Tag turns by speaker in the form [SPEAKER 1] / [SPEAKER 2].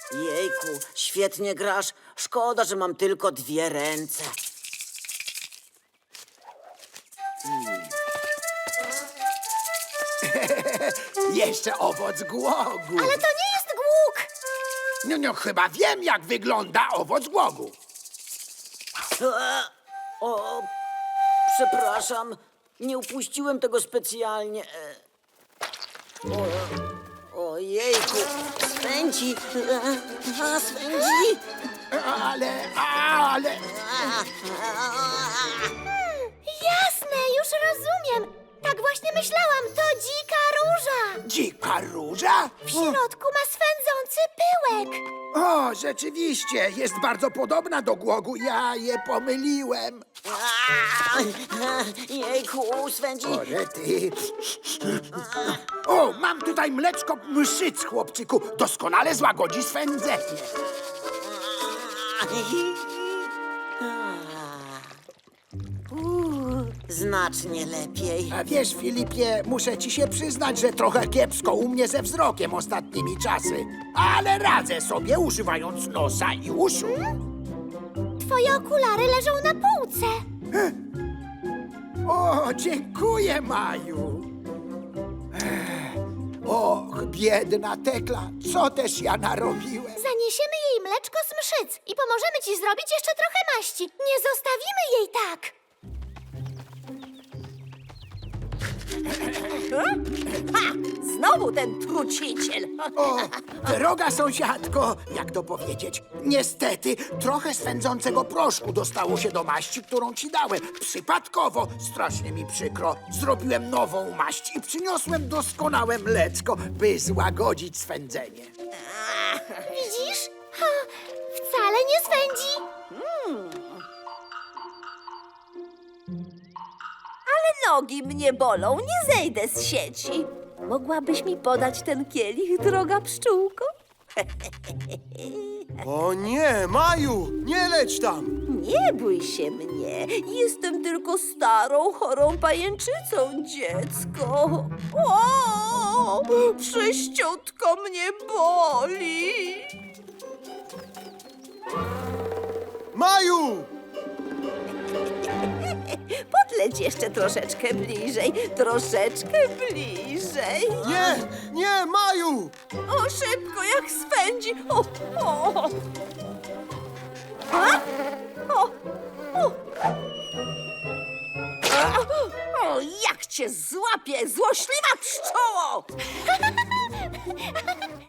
[SPEAKER 1] Jejku, świetnie grasz. Szkoda, że mam tylko 2 ręce.
[SPEAKER 2] Jeszcze owoc głogu.
[SPEAKER 3] Ale to nie jest głuk!
[SPEAKER 2] No, chyba wiem, jak wygląda owoc głogu.
[SPEAKER 1] O, przepraszam. Nie upuściłem tego specjalnie. Ojejku, swędzi. Swędzi.
[SPEAKER 2] Ale...
[SPEAKER 3] Jasne, już rozumiem. Tak właśnie myślałam, to dzika róża.
[SPEAKER 2] Dzika róża?
[SPEAKER 3] W środku ma swędzący pyłek.
[SPEAKER 2] O, rzeczywiście, jest bardzo podobna do głogu. Ja je pomyliłem.
[SPEAKER 1] Jejku, swędzi.
[SPEAKER 2] O, ty. O, mam tutaj mleczko mszyc, chłopczyku. Doskonale złagodzi swędzenie.
[SPEAKER 1] Znacznie lepiej.
[SPEAKER 2] A wiesz, Filipie, muszę ci się przyznać, że trochę kiepsko u mnie ze wzrokiem ostatnimi czasy. Ale radzę sobie, używając nosa i uszu.
[SPEAKER 3] Twoje okulary leżą na półce.
[SPEAKER 2] O, dziękuję, Maju. Och, biedna Tekla, co też ja narobiłem?
[SPEAKER 3] Zaniesiemy jej mleczko z mszyc i pomożemy ci zrobić jeszcze trochę maści. Nie zostawimy jej tak.
[SPEAKER 4] Znowu ten truciciel.
[SPEAKER 2] O, droga sąsiadko, jak to powiedzieć? Niestety, trochę swędzącego proszku dostało się do maści, którą ci dałem. Przypadkowo, strasznie mi przykro. Zrobiłem nową maść i przyniosłem doskonałe mleczko, by złagodzić swędzenie.
[SPEAKER 3] Widzisz? Ha, wcale nie swędzi.
[SPEAKER 4] Ale nogi mnie bolą, nie zejdę z sieci. Mogłabyś mi podać ten kielich, droga pszczółko?
[SPEAKER 5] O nie, Maju, nie leć tam!
[SPEAKER 4] Nie bój się mnie. Jestem tylko starą, chorą pajęczycą, dziecko. O, prześciutko mnie boli.
[SPEAKER 5] Maju!
[SPEAKER 4] Podleć jeszcze troszeczkę bliżej, troszeczkę bliżej.
[SPEAKER 5] Nie, nie, Maju!
[SPEAKER 4] O, szybko, jak swędzi. O. A? O. O, jak cię złapię, złośliwa pszczoło!